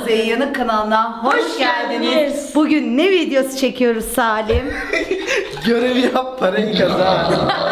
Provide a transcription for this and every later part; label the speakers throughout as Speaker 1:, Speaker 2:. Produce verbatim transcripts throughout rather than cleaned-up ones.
Speaker 1: Kuzey Yanık kanalına hoş, hoş geldiniz. geldiniz. Bugün ne videosu çekiyoruz Salim?
Speaker 2: Görev yap, parayı kazan.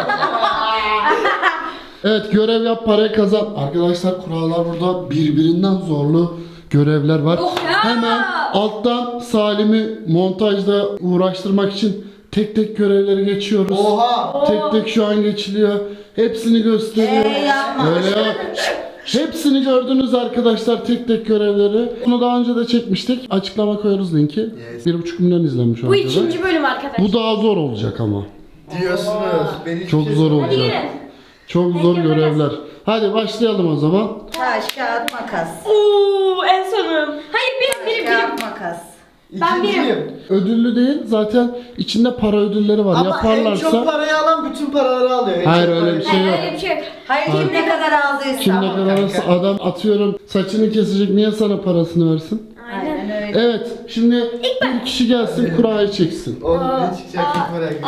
Speaker 3: Evet, görev yap, parayı kazan. Arkadaşlar kurallar burada birbirinden zorlu görevler var.
Speaker 4: Oh ya!
Speaker 3: Hemen alttan Salim'i montajda uğraştırmak için tek tek görevleri geçiyoruz.
Speaker 2: Oha!
Speaker 3: Tek tek şu an geçiliyor. Hepsini gösteriyor.
Speaker 1: Ee, yapma.
Speaker 3: Öyle yap. Hepsini gördünüz arkadaşlar, tek tek görevleri. Bunu daha önce de çekmiştik. Açıklama koyarız linki.
Speaker 2: Yes.
Speaker 3: Bir buçuk milyon izlenmiş o
Speaker 4: Bu
Speaker 3: videoda.
Speaker 4: ikinci bölüm arkadaşlar.
Speaker 3: Bu daha zor olacak ama.
Speaker 2: Diyorsunuz. Ben hiçbir
Speaker 3: Çok
Speaker 2: şey
Speaker 3: zor
Speaker 2: söylemedim.
Speaker 4: Hadi
Speaker 3: olacak.
Speaker 4: gelin.
Speaker 3: Çok zor görevler. Hadi başlayalım o zaman.
Speaker 1: Taş, kağıt, makas.
Speaker 4: Oo, en sonum. Hayır birim birim
Speaker 1: Taş,
Speaker 4: birim.
Speaker 1: kağıt, makas.
Speaker 4: Ben
Speaker 2: İkinciyim.
Speaker 3: Ödüllü değil, zaten içinde para ödülleri var.
Speaker 2: Ama
Speaker 3: Yaparlarsa...
Speaker 2: en çok parayı alan bütün paraları alıyor. En
Speaker 3: Hayır,
Speaker 2: çok
Speaker 3: öyle
Speaker 2: parayı-
Speaker 3: bir şey yok.
Speaker 4: Öyle bir şey yok.
Speaker 1: Hayır, kim ne kadar aldıysa.
Speaker 3: Kim ne kadar alırsa adam, atıyorum saçını kesecek, niye sana parasını versin?
Speaker 4: Aynen.
Speaker 1: Aynen öyle.
Speaker 3: Evet, şimdi bir kişi gelsin kurayı çeksin.
Speaker 2: Oğlum ne çıkacak çok merak ediyorum.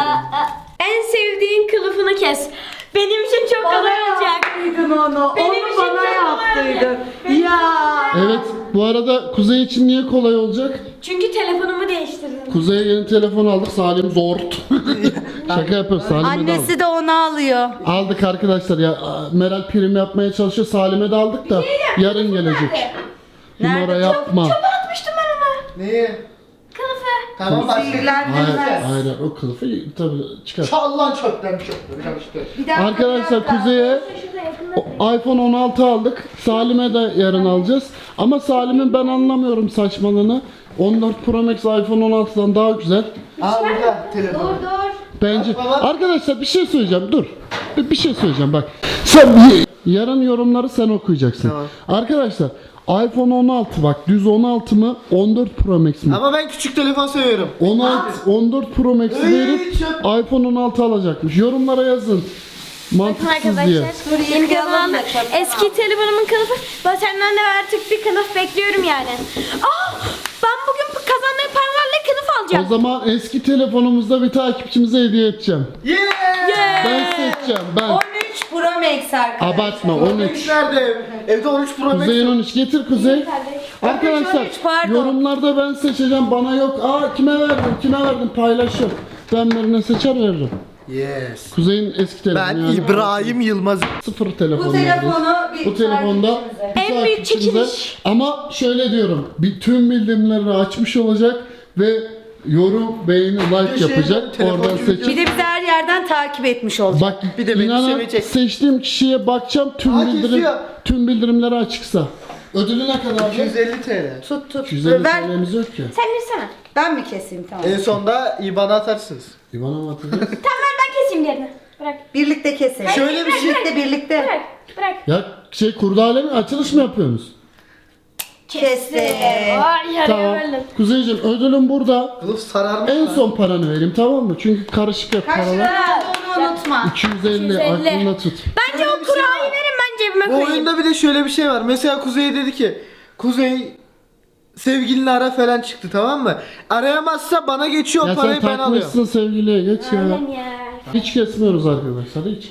Speaker 4: En sevdiğin kılıfını kes. Benim için çok kolay olacak.
Speaker 1: Yaptıydın onu.
Speaker 4: Benim
Speaker 1: onu
Speaker 4: için
Speaker 1: bana
Speaker 4: çok kolay
Speaker 1: yaptıydın.
Speaker 4: Benim
Speaker 1: Ya.
Speaker 3: Evet, bu arada Kuzey için niye kolay olacak?
Speaker 4: Çünkü telefonumu değiştirdim.
Speaker 3: Kuzey'e yeni telefon aldık, Salim zort. Şaka yapıyoruz, Salim'e de aldık.
Speaker 1: Annesi de onu alıyor.
Speaker 3: Aldık arkadaşlar ya, Meral prim yapmaya çalışıyor, Salim'e de aldık da yarın gelecek. Numara
Speaker 1: Nerede?
Speaker 3: yapma.
Speaker 4: Atmıştım ben onu.
Speaker 2: Neyi?
Speaker 4: Kılıfı.
Speaker 2: Tamam başka.
Speaker 3: Hayır,
Speaker 1: Sihirlendirmez.
Speaker 3: hayır, o kılıfı tabii çıkar.
Speaker 2: Çal lan çöpten çöpten işte.
Speaker 1: Bir dakika,
Speaker 3: Arkadaşlar
Speaker 1: bir dakika.
Speaker 3: Kuzey'e
Speaker 4: Şurada yakında.
Speaker 3: o- iPhone on altı aldık. Salim'e de yarın alacağız. Ama Salim'in ben anlamıyorum saçmalığını. on dört Pro Max iPhone on altıdan daha güzel.
Speaker 2: Aa burada telefon.
Speaker 4: Dur dur.
Speaker 3: Bence.
Speaker 2: Bak baba.
Speaker 3: Arkadaşlar bir şey söyleyeceğim. Dur. Bir, bir şey söyleyeceğim bak. Sen bir- yarın yorumları sen okuyacaksın.
Speaker 2: Tamam.
Speaker 3: Arkadaşlar iPhone on altı bak, düz on altı mı on dört Pro Max mi?
Speaker 2: Ama ben küçük telefon seviyorum.
Speaker 3: on altı on dört Pro Max'i
Speaker 2: Ey,
Speaker 3: verip
Speaker 2: çok-
Speaker 3: iPhone on altı alacakmış. Yorumlara yazın. Mantıksız diye.
Speaker 4: Arkadaşlar
Speaker 1: Dur,
Speaker 4: yeni
Speaker 1: yıkayalım
Speaker 4: telefonum
Speaker 1: da çöpten
Speaker 4: eski telefonumun kılıfı. Ben senden de artık bir kılıf bekliyorum yani. Aa, ben bugün bu kazandığım paralarla kılıf
Speaker 3: O
Speaker 4: alacağım.
Speaker 3: zaman eski telefonumuzda bir takipçimize hediye edeceğim.
Speaker 2: Yeah!
Speaker 3: Ben seçeceğim ben.
Speaker 1: on üç Pro Max arkadaşlar.
Speaker 3: Abartma on üç.
Speaker 2: Nerede ev? Evde on üç Pro Max.
Speaker 3: Kuzey'in on üç getir Kuzey. Arkadaşlar
Speaker 1: on üç, pardon.
Speaker 3: yorumlarda ben seçeceğim, bana yok. Aa kime verdim kime verdim paylaşın. Ben birine seçer veririm.
Speaker 2: Yes.
Speaker 3: Kuzey'in eski telefonu.
Speaker 2: Ben
Speaker 3: yani.
Speaker 2: İbrahim Yılmaz.
Speaker 3: Sıfır telefon.
Speaker 1: Bu
Speaker 3: neredeyse.
Speaker 1: telefonu bir
Speaker 3: Bu telefonda
Speaker 1: takipçimize.
Speaker 3: bir
Speaker 4: En büyük
Speaker 3: takipçimize-
Speaker 4: çekiliş.
Speaker 3: Ama şöyle diyorum, bir tüm bildirimleri açmış olacak ve yorum, beğeni, like
Speaker 2: Bir de şey,
Speaker 3: yapacak.
Speaker 2: telefon
Speaker 3: Oradan
Speaker 2: gibi-
Speaker 3: seçip.
Speaker 1: Bir de bizi her yerden takip etmiş olacak.
Speaker 3: Bak
Speaker 2: Bir de beni
Speaker 3: inanın
Speaker 2: sevecek.
Speaker 3: seçtiğim kişiye bakacağım, tüm
Speaker 2: Aa,
Speaker 3: bildirim
Speaker 2: kesiyor.
Speaker 3: tüm bildirimleri açıksa. Ödülü ne kadar?
Speaker 2: iki yüz elli TL.
Speaker 1: Tut tut.
Speaker 3: iki yüz elli
Speaker 1: Ver.
Speaker 3: TL'miz yok ki.
Speaker 4: Sen girsene.
Speaker 1: Ben mi keseyim tamam.
Speaker 2: En sonda I B A N'ı atarsınız.
Speaker 3: İvan'a mı atacağız?
Speaker 4: Tamam ver ben keseyim diğerini. Bırak.
Speaker 1: Birlikte keselim.
Speaker 2: Şöyle bir şey-
Speaker 1: Birlikte birlikte.
Speaker 4: Bırak. Bırak.
Speaker 3: Ya şey kurdale mi, açılış mı yapıyorsunuz?
Speaker 1: Kestim.
Speaker 4: Ay yaraya
Speaker 3: Tamam.
Speaker 4: böldüm.
Speaker 3: Kuzeyciğim ödülüm burada.
Speaker 2: Kılıf sararmış
Speaker 3: En
Speaker 2: lan.
Speaker 3: son paranı vereyim, tamam mı? Çünkü karışık hep
Speaker 1: Kaç
Speaker 3: paralar.
Speaker 1: lira olduğunu unutma.
Speaker 3: iki yüz elli,
Speaker 4: iki yüz elli.
Speaker 3: aklında tut.
Speaker 4: Bence
Speaker 2: Şöyle
Speaker 4: o
Speaker 2: bir şey
Speaker 4: kurayı
Speaker 2: var.
Speaker 4: verin ben cebime
Speaker 2: Bu
Speaker 4: koyayım.
Speaker 2: oyunda bir de şöyle bir şey var. Mesela Kuzey dedi ki Kuzey sevgilini ara falan çıktı, tamam mı? Arayamazsa bana geçiyor,
Speaker 3: Ya
Speaker 2: parayı
Speaker 3: sen
Speaker 2: ben alıyorum.
Speaker 3: takmışsın sevgiliye, geç ya.
Speaker 4: Aynen ya.
Speaker 3: Hiç kesmiyoruz arkadaşlar, hiç.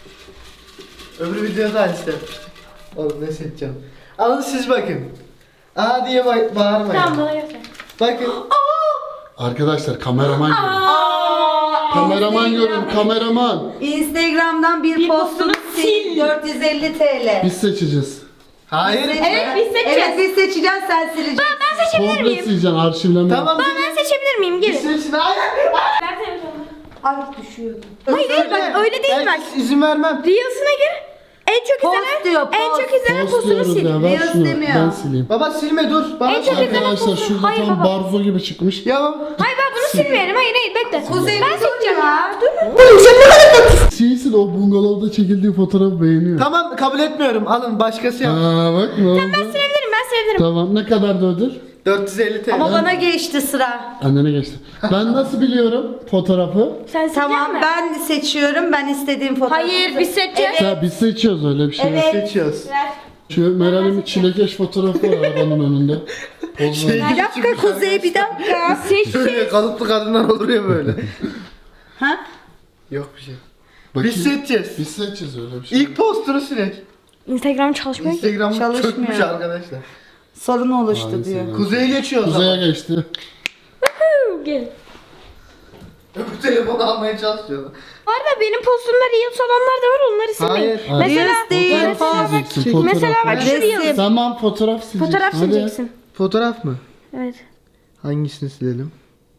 Speaker 2: Öbür videoda Alice yapmıştık. Oğlum ne seçeceğim? Alın siz bakın. Aa diye ba- bağırmayın.
Speaker 4: Tamam bana göster.
Speaker 2: Bakın.
Speaker 3: Arkadaşlar kameraman görün. Kameraman görün, kameraman.
Speaker 1: Instagram'dan bir,
Speaker 4: Bir
Speaker 1: postunu
Speaker 4: postunu
Speaker 1: sil.
Speaker 4: sil.
Speaker 1: dört yüz elli TL.
Speaker 3: Biz seçeceğiz.
Speaker 2: Hayır.
Speaker 4: Evet, biz seçeceğiz.
Speaker 1: Evet biz seçeceğiz, sen sileceksin.
Speaker 4: Ben seçebilir
Speaker 3: Komple
Speaker 4: miyim?
Speaker 3: sileceğim, arşivleme.
Speaker 2: Tamam.
Speaker 4: Ben, ben seçebilir miyim?
Speaker 2: Bir
Speaker 4: Gelin.
Speaker 2: seçin. Hayır.
Speaker 4: Ver telefonumu.
Speaker 1: Ay düşüyordu.
Speaker 4: Hayır hayır bak öyle değil bak.
Speaker 2: Ben izin vermem.
Speaker 4: Reels'ına gir. En çok
Speaker 1: Post
Speaker 4: izlenen,
Speaker 1: diyor,
Speaker 4: en
Speaker 1: post.
Speaker 4: çok izlenen
Speaker 3: Post
Speaker 4: postunu
Speaker 3: diyoruz
Speaker 4: sil.
Speaker 3: ya, ver
Speaker 1: Reels
Speaker 3: şunu,
Speaker 1: demiyor.
Speaker 3: ben sileyim.
Speaker 2: Baba silme dur. Bana
Speaker 4: En çok
Speaker 2: şey-
Speaker 4: izlenen
Speaker 3: Arkadaşlar
Speaker 4: postu.
Speaker 3: şurada
Speaker 4: Hayır
Speaker 3: tam
Speaker 4: baba.
Speaker 3: barzo gibi çıkmış.
Speaker 2: Ya
Speaker 4: Hayır ben bunu silmeyelim. Hayır hayır bekle.
Speaker 1: Kuzey
Speaker 4: ben
Speaker 1: bir dur
Speaker 4: seçeceğim
Speaker 1: ya.
Speaker 4: ya. Dur.
Speaker 3: Şeysin, o bungalovda çekildiği fotoğrafı beğeniyor.
Speaker 2: tamam kabul etmiyorum. Alın başkası yap.
Speaker 3: Aa bak ne oldu?
Speaker 4: Silebilirim ben silebilirim.
Speaker 3: Tamam, ne kadar da ödül?
Speaker 2: dört yüz elli TL.
Speaker 1: Ama bana geçti sıra.
Speaker 3: Annene geçti. Ben nasıl biliyorum fotoğrafı?
Speaker 4: Sen silecek
Speaker 1: Tamam
Speaker 4: mi?
Speaker 1: ben seçiyorum, ben istediğim fotoğrafı.
Speaker 4: Hayır biz seçeceğiz.
Speaker 3: Ya biz seçiyoruz, öyle bir şey. yok.
Speaker 1: Evet.
Speaker 2: Seçiyoruz.
Speaker 4: Ver.
Speaker 3: Şu Meral'in bir çilekeş fotoğrafı var arabanın önünde. Poz ver.
Speaker 2: Şey-
Speaker 1: Bir dakika Kuzey, bir dakika.
Speaker 4: Seç.
Speaker 2: Böyle kalıplı kadınlar olur ya böyle.
Speaker 1: Ha?
Speaker 2: Yok bir şey.
Speaker 3: Bakayım.
Speaker 2: Biz seçeceğiz.
Speaker 3: Biz seçeceğiz, öyle bir şey.
Speaker 2: İlk postunu silek.
Speaker 4: Instagram çalışmıyor ki.
Speaker 2: Instagram
Speaker 1: Çalışmıyor.
Speaker 2: çökmüş arkadaşlar.
Speaker 1: Sorun oluştu
Speaker 3: Maalesef.
Speaker 1: diyor.
Speaker 2: Kuzey'e geçiyor o
Speaker 3: Kuzey'e
Speaker 2: zaman.
Speaker 3: geçti.
Speaker 4: Gel.
Speaker 2: Öbür telefonu almaya çalışıyor.
Speaker 4: Bu arada benim postumda Reels olanlar da var, onları silmeyin.
Speaker 2: Hayır.
Speaker 4: Mesela,
Speaker 1: Reels değil,
Speaker 3: Fotoğraf
Speaker 1: post.
Speaker 3: sileceksin.
Speaker 4: mesela bak
Speaker 3: Fotoğraf.
Speaker 4: şu Reels.
Speaker 1: Resim.
Speaker 3: Tamam fotoğraf sileceksin.
Speaker 4: Fotoğraf
Speaker 3: Hadi.
Speaker 4: sileceksin.
Speaker 2: Fotoğraf mı?
Speaker 4: Evet.
Speaker 2: Hangisini silelim?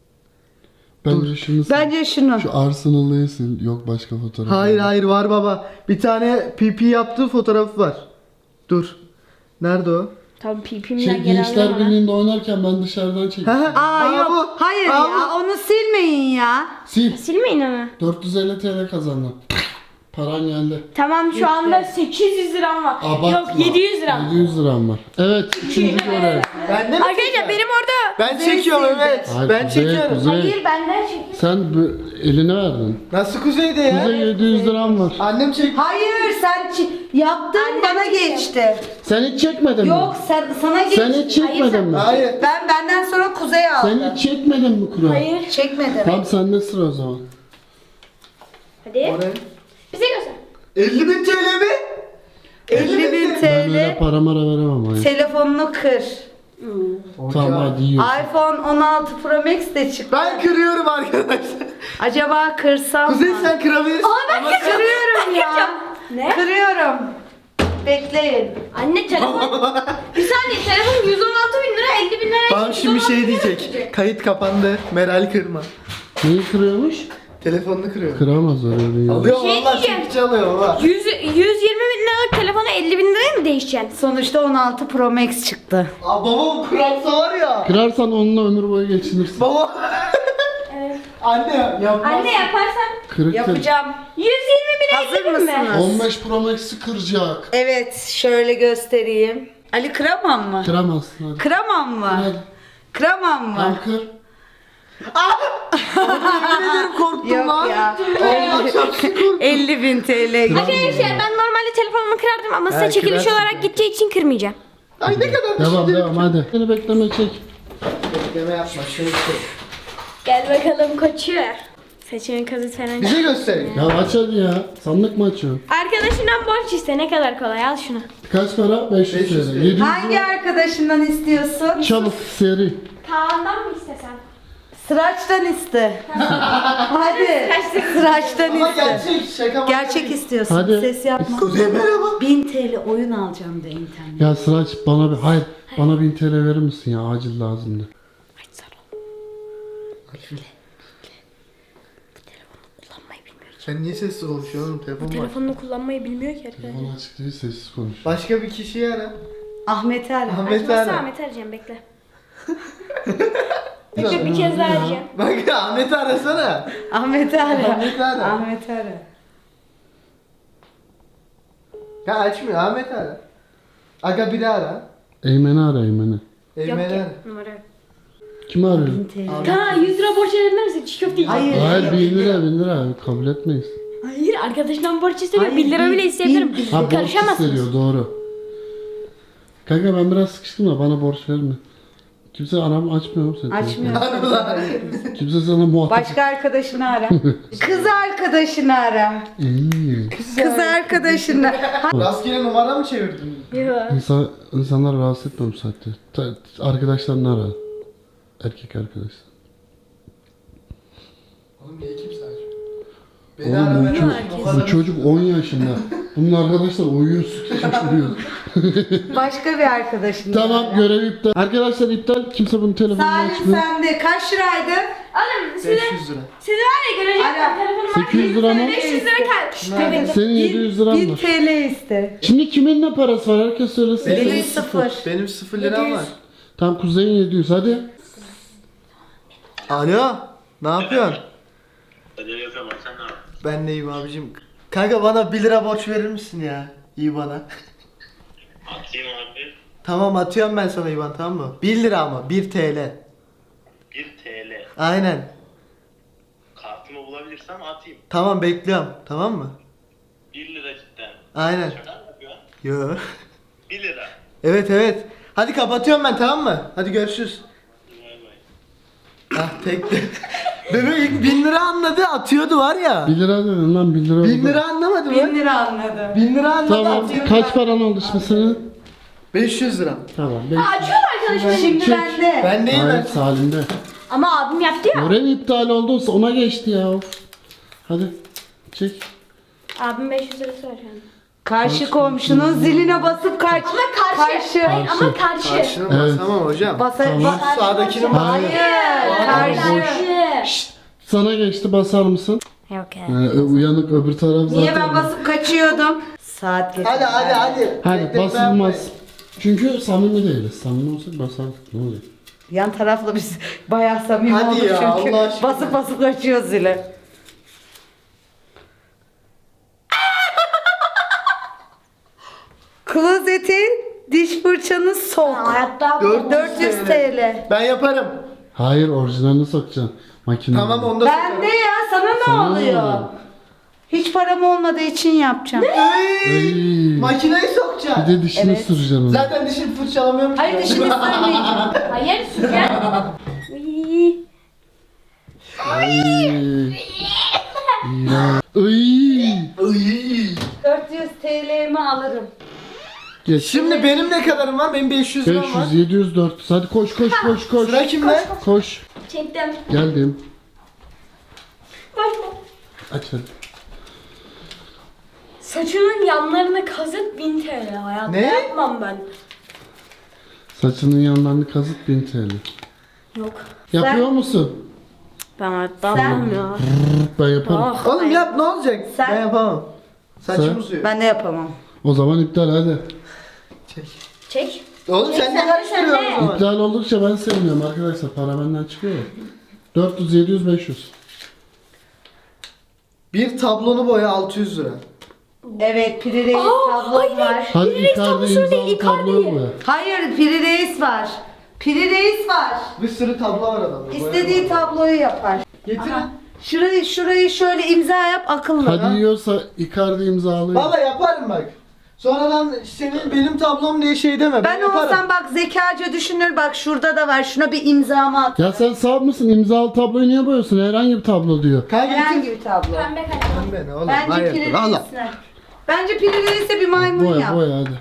Speaker 3: Bence şunu sil.
Speaker 1: Bence şunu.
Speaker 3: Şu Arsenal'ı sil. Yok başka fotoğraf.
Speaker 2: Hayır hayır var baba. Bir tane P P yaptığı fotoğrafı var. Dur. Nerede o?
Speaker 4: Tamam
Speaker 3: Şey,
Speaker 4: pipimden gelen
Speaker 3: Gençler
Speaker 4: bana.
Speaker 3: Birliği'nde oynarken ben dışarıdan çektim.
Speaker 2: Ha, ha.
Speaker 1: Aa, yok.
Speaker 2: bu.
Speaker 1: Hayır
Speaker 2: Aa,
Speaker 1: ya.
Speaker 2: bu.
Speaker 1: Onu silmeyin ya.
Speaker 3: Sil.
Speaker 4: Silmeyin ama.
Speaker 3: dört yüz elli T L kazandın. Paran geldi.
Speaker 4: Tamam şu anda sekiz yüz liram var.
Speaker 3: Abartma.
Speaker 4: Yok yedi yüz liram.
Speaker 3: yedi yüz liram var. Evet üçüncü görev.
Speaker 2: Ben de mi
Speaker 4: Arkadaşlar
Speaker 2: çekiyorum?
Speaker 4: benim orada.
Speaker 2: Ben çekiyorum evet.
Speaker 3: Hayır,
Speaker 2: ben
Speaker 3: Kuzey,
Speaker 2: çekiyorum.
Speaker 3: Kuzey.
Speaker 4: Hayır benden çekin.
Speaker 3: Sen bu, eline verdin.
Speaker 2: Nasıl Kuzey'de ya?
Speaker 3: Kuzey yedi yüz liram var.
Speaker 2: Annem çek.
Speaker 1: Hayır sen çi- yaptın
Speaker 4: Annem
Speaker 1: bana
Speaker 4: çekiyor.
Speaker 1: geçti.
Speaker 3: Sen hiç çekmedin mi?
Speaker 1: Yok sen sana geçti.
Speaker 3: Sen hiç çekmedin mi?
Speaker 2: Hayır.
Speaker 1: Ben benden sonra Kuzey aldım.
Speaker 3: Sen hiç çekmedin mi Kura?
Speaker 4: Hayır.
Speaker 1: Çekmedim.
Speaker 3: Tamam sende sıra o zaman.
Speaker 4: Hadi.
Speaker 2: Oraya.
Speaker 4: Bize göster.
Speaker 2: elli bin T L mi?
Speaker 1: elli bin
Speaker 3: Ben öyle
Speaker 1: T L
Speaker 3: para mara veremem hayır.
Speaker 1: telefonunu kır.
Speaker 3: Tamam hadi yiyorsun.
Speaker 1: iPhone on altı Pro Max de çıktı.
Speaker 2: Ben kırıyorum arkadaşlar.
Speaker 1: Acaba kırsam
Speaker 2: Kuzey
Speaker 1: mı?
Speaker 2: sen kırabilirsin. Ama sen-
Speaker 1: Kırıyorum ya.
Speaker 4: Ne?
Speaker 1: Kırıyorum. Bekleyin.
Speaker 4: Anne telefon. Bir saniye telefon yüz on altı bin lira elli bin lira.
Speaker 2: Babam şimdi şey diyecek. Kayıt kapandı. Meral kırma.
Speaker 3: Neyi kırıyormuş?
Speaker 2: Telefonunu kırıyor.
Speaker 3: Kıramaz öyle değil.
Speaker 2: Alıyor
Speaker 4: Şey
Speaker 2: valla
Speaker 4: diyeceğim.
Speaker 2: çekici alıyor baba.
Speaker 4: yüz, yüz yirmi bin liralık telefona elli bin liraya mı değişeceksin?
Speaker 1: Sonuçta on altı Pro Max çıktı.
Speaker 2: Aa, babam kurarsa var ya.
Speaker 3: Kırarsan onunla ömür boyu geçinirsin.
Speaker 2: Baba.
Speaker 4: Evet.
Speaker 2: Anne yapmaz.
Speaker 4: Anne yaparsan
Speaker 3: Kırık kır.
Speaker 1: Yapacağım.
Speaker 4: yüz yirmi bin
Speaker 1: Hazır
Speaker 4: elli bin mi?
Speaker 1: mısınız?
Speaker 3: on beş Pro Max'i kıracak.
Speaker 1: Evet şöyle göstereyim. Ali kıramam mı?
Speaker 3: Kıramazsın hadi.
Speaker 1: Kıramam mı?
Speaker 3: Hadi.
Speaker 1: Kıramam mı?
Speaker 3: Tamam kır.
Speaker 2: Yemin ederim korktum
Speaker 1: Yok
Speaker 2: lan.
Speaker 1: ya.
Speaker 2: Allah çarpsın korktum.
Speaker 1: elli bin T L.
Speaker 3: Kıramam.
Speaker 4: Arkadaşlar ben normalde telefonumu kırardım ama size
Speaker 2: Ha,
Speaker 4: çekiliş
Speaker 2: kırarsın.
Speaker 4: olarak gideceği için kırmayacağım.
Speaker 2: Ay ne kadar
Speaker 3: Devam
Speaker 2: düşündüm.
Speaker 3: devam hadi. Seni bekleme çek.
Speaker 2: Bekleme yapma şöyle şey.
Speaker 4: Gel bakalım koçu. Saçının kazı falan.
Speaker 2: Bize gösterin.
Speaker 3: Ya aç hadi ya. Sandık mı açıyorsun?
Speaker 4: Arkadaşından borç iste ne kadar kolay al şunu.
Speaker 3: Kaç para? beş yüz
Speaker 2: beş yüz
Speaker 3: T L.
Speaker 2: T L.
Speaker 3: yedi yüz
Speaker 1: Hangi
Speaker 3: lira.
Speaker 1: arkadaşından istiyorsun?
Speaker 3: Çabuk seri.
Speaker 4: Kaan'dan mı istesen?
Speaker 1: Sıraçtan iste. Hadi. Sıraçtan
Speaker 2: Ama
Speaker 1: iste.
Speaker 2: gerçek şaka mı?
Speaker 1: Gerçek istiyorsun.
Speaker 3: Hadi.
Speaker 1: Ses yapma.
Speaker 2: Kuzey merhaba.
Speaker 1: bin T L oyun alacağım de internet.
Speaker 3: Ya Sıraç bana bir hayır bana bin T L verir misin ya acil lazımdı.
Speaker 4: Kullanmayı bilmiyor.
Speaker 2: Sen niye sessiz konuşuyorsun oğlum? Telefon var.
Speaker 4: Telefonunu kullanmayı bilmiyor ki arkadaşlar.
Speaker 3: Telefonu açık değil sessiz konuş.
Speaker 2: Başka bir kişiyi ara.
Speaker 1: Ahmet'i ara.
Speaker 2: Ahmet
Speaker 4: Açmazsa
Speaker 2: ara.
Speaker 4: Ahmet arayacağım bekle. Bekle bir kez daha arayacağım.
Speaker 2: Bak Ahmet'i arasana.
Speaker 1: Ahmet'i ara.
Speaker 2: Ahmet'i ara.
Speaker 1: Ahmet'i ara.
Speaker 2: Ya açmıyor Ahmet ara. Aga biri ara.
Speaker 3: Eymen'i ara Eymen'i.
Speaker 4: Yok
Speaker 2: Eymen'i
Speaker 4: ki
Speaker 2: ara.
Speaker 4: numara yok.
Speaker 3: Kimi arıyor?
Speaker 1: bin T L.
Speaker 4: Kaan yüz lira borç verebilir misin? Çiğ köfte yiyeceğim.
Speaker 1: Hayır.
Speaker 3: Hayır bin lira bin lira kabul etmeyiz.
Speaker 4: Hayır arkadaşından borç istemiyor.
Speaker 1: Hayır,
Speaker 4: bir lira
Speaker 1: bin-
Speaker 4: bile isteyebilirim.
Speaker 1: bin-
Speaker 3: Ha borç
Speaker 4: Karışamazsınız.
Speaker 3: isteniyor doğru. Kanka ben biraz sıkıştım da bana borç verme. Kimse aram açmıyor mu seni?
Speaker 1: Açmıyor.
Speaker 3: Kimse sana muhatap.
Speaker 1: Başka arkadaşını ara. Kız arkadaşını ara.
Speaker 3: İyi.
Speaker 1: Kız arkadaşını.
Speaker 2: Rastgele numara mı çevirdin?
Speaker 4: Yok.
Speaker 3: İnsan, insanları rahatsız etme bu saatte. Ta- arkadaşlarını ara. Erkek arkadaşlar.
Speaker 2: Oğlum niye kimse açmıyor? Beni
Speaker 3: Oğlum
Speaker 2: ara
Speaker 3: bu,
Speaker 2: ben
Speaker 3: çocuk,
Speaker 2: açayım.
Speaker 3: bu çocuk on yaşında. Bunun arkadaşlar uyuyor süt şaşırıyor.
Speaker 1: Başka bir arkadaşını
Speaker 3: Tamam
Speaker 1: ara.
Speaker 3: görev iptal. Arkadaşlar iptal. Kimse bunun telefonunu
Speaker 1: Salim
Speaker 3: açmıyor.
Speaker 1: sende kaç liraydı?
Speaker 4: Oğlum sizi,
Speaker 2: beş yüz lira.
Speaker 4: sizi var ya görecekler.
Speaker 1: Ara.
Speaker 4: Telefonum
Speaker 3: sekiz yüz lira mı?
Speaker 4: beş yüz lira kalmış. Evet.
Speaker 3: Senin yedi yüz liran
Speaker 1: bin
Speaker 3: var.
Speaker 1: T L iste.
Speaker 3: Şimdi kimin ne parası var? Herkes söylesin.
Speaker 1: Benim
Speaker 2: Benim
Speaker 1: sıfır.
Speaker 2: Benim sıfır liram var.
Speaker 3: Tamam Kuzey'in yedi yüz hadi.
Speaker 2: Alo. Ne yapıyorsun?
Speaker 5: Hadi yapıyorum sen ne yapıyorsun?
Speaker 2: Ben de iyiyim abicim. Kanka bana bir lira borç verir misin ya? İyi bana.
Speaker 5: Atayım abi.
Speaker 2: Tamam atıyorum ben sana İvan tamam mı? bir lira ama bir T L.
Speaker 5: bir T L.
Speaker 2: Aynen.
Speaker 5: Kartımı bulabilirsem atayım.
Speaker 2: Tamam bekliyorum tamam mı?
Speaker 5: bir lira cidden.
Speaker 2: Aynen.
Speaker 5: Şaka mı yapıyorsun?
Speaker 2: Yo.
Speaker 5: bir lira.
Speaker 2: Evet evet. Hadi kapatıyorum ben tamam mı? Hadi görüşürüz.
Speaker 5: Bay bay.
Speaker 2: Ah tekti. Bebek ilk bin lira anladı atıyordu var ya.
Speaker 3: bir lira dedin lan bir lira.
Speaker 2: bin
Speaker 3: oldu.
Speaker 2: lira anlamadı
Speaker 1: bin
Speaker 2: mı?
Speaker 1: lira anladım.
Speaker 2: bin lira anladı
Speaker 3: Tamam
Speaker 2: atıyordu.
Speaker 3: kaç paran oldu şimdi senin?
Speaker 2: beş yüz lira.
Speaker 3: Tamam. beş.
Speaker 4: Açıyorum arkadaşım.
Speaker 1: Şimdi
Speaker 3: Çek.
Speaker 1: bende.
Speaker 2: Ben değil
Speaker 3: Hayır
Speaker 2: ben.
Speaker 3: Salim'de.
Speaker 4: Ama abim yaptı ya.
Speaker 3: Görev iptal olduysa ona geçti ya. Of. Hadi. Çek.
Speaker 4: Abim beş yüz lira söylüyor.
Speaker 1: Karşı komşunun ziline basıp kaç.
Speaker 4: Ama karşı.
Speaker 1: Karşı.
Speaker 4: Hayır, ama karşı.
Speaker 2: Karşına
Speaker 3: Evet.
Speaker 2: basamam hocam.
Speaker 1: Basa,
Speaker 3: Tamam.
Speaker 1: bas-
Speaker 2: Sağdakini
Speaker 3: Hayır.
Speaker 1: Hayır. Karşı.
Speaker 4: Karşı.
Speaker 3: Sana geçti, basar mısın?
Speaker 4: Yok ya.
Speaker 3: Ee, uyanık öbür taraf zaten.
Speaker 1: Niye ben basıp kaçıyordum? Saat geçti.
Speaker 2: Hadi hadi hadi.
Speaker 3: Hadi
Speaker 2: Tek tek
Speaker 3: basılmaz. Çünkü samimi değiliz. Samimi olsak basardık. Ne oluyor?
Speaker 1: Yan tarafla biz bayağı samimi
Speaker 2: Hadi
Speaker 1: olduk
Speaker 2: ya,
Speaker 1: çünkü.
Speaker 2: Allah aşkına.
Speaker 1: Basıp basıp kaçıyoruz zile. Klozetin diş fırçanı sok.
Speaker 4: Hayatta
Speaker 2: Dört-
Speaker 1: dört yüz TL.
Speaker 2: Ben yaparım.
Speaker 3: Hayır, orijinalini sokacaksın. Makine.
Speaker 2: Tamam onu da
Speaker 1: Bende ya, sana ne
Speaker 3: Sana ne
Speaker 1: oluyor?
Speaker 3: oluyor?
Speaker 1: Hiç param olmadığı için yapacağım.
Speaker 3: Ay.
Speaker 2: Makineyi
Speaker 3: Bir
Speaker 2: sokacağım.
Speaker 3: de dişini
Speaker 1: Evet.
Speaker 3: süreceksin.
Speaker 2: Zaten dişimi fırçalamıyorum ki.
Speaker 1: Hayır, dişimi sürmeyeceğim.
Speaker 4: Hayır. Gel. Uy.
Speaker 3: Ay. İğrenç. Ay.
Speaker 2: Iy.
Speaker 1: dört yüz TL'mi alırım.
Speaker 3: Geç.
Speaker 2: Şimdi benim ne kadarım var? Benim beş yüz liram var.
Speaker 3: beş yüz, yedi yüz, dört yüz. Hadi koş koş koş koş.
Speaker 2: Sıra kimde?
Speaker 3: Koş.
Speaker 4: Çektim.
Speaker 3: Geldim.
Speaker 4: Başla.
Speaker 3: Aç hadi.
Speaker 4: Saçının yanlarını kazıt bin T L. Hayatta
Speaker 2: Ne?
Speaker 4: yapmam ben.
Speaker 3: Saçının yanlarını kazıt bin T L.
Speaker 4: Yok.
Speaker 3: Yapıyor musun?
Speaker 4: Ben hayatta
Speaker 1: Sen-
Speaker 4: yapmam ya.
Speaker 3: Ben yaparım.
Speaker 4: Ah.
Speaker 2: Oğlum yap ne olacak?
Speaker 1: Sen-
Speaker 2: Ben yapamam. Saçım
Speaker 3: Sen-
Speaker 2: uzuyor.
Speaker 1: Ben de yapamam.
Speaker 3: O zaman iptal hadi.
Speaker 2: Çek.
Speaker 4: Çek.
Speaker 2: Oğlum sen ne
Speaker 4: Sen-
Speaker 2: karıştırıyorsun
Speaker 4: sen
Speaker 2: o
Speaker 4: de.
Speaker 2: zaman?
Speaker 3: İptal oldukça ben sevmiyorum arkadaşlar. Para benden çıkıyor ya. dört yüz, yedi yüz, beş yüz.
Speaker 2: Bir tablonu boya altı yüz lira.
Speaker 1: Evet, Piri Reis tablom var.
Speaker 3: Hadi
Speaker 4: Reis
Speaker 3: Icardi
Speaker 4: tablosunu değil,
Speaker 3: imzalı
Speaker 4: Icardi'yi.
Speaker 3: tabloyu boya.
Speaker 1: Hayır, Piri Reis var. Piri Reis var.
Speaker 2: Bir sürü tablo var adamda.
Speaker 1: İstediği tabloyu yapar.
Speaker 2: Getir.
Speaker 1: Şurayı şurayı şöyle imza yap, akıllı.
Speaker 3: Hadi yiyorsa Icardi imzalı.
Speaker 2: Valla yaparım bak. Sonradan senin benim tablom diye şey deme. Ben,
Speaker 1: Ben
Speaker 2: yaparım.
Speaker 1: olsam bak zekaca düşünür, bak şurada da var, şuna bir imzamı at.
Speaker 3: Ya sen sağ mısın? İmzalı tabloyu niye boyuyorsun? Herhangi bir tablo diyor.
Speaker 2: Kanka
Speaker 1: Herhangi
Speaker 2: getir.
Speaker 1: bir tablo.
Speaker 4: Pembe kalem.
Speaker 2: Ben oğlum.
Speaker 1: Bence
Speaker 2: hayırdır,
Speaker 1: Piri
Speaker 2: Allah.
Speaker 1: Reis'ine. Bence Piri Reis'e bir maymun
Speaker 3: Boya
Speaker 1: yap.
Speaker 3: boya hadi.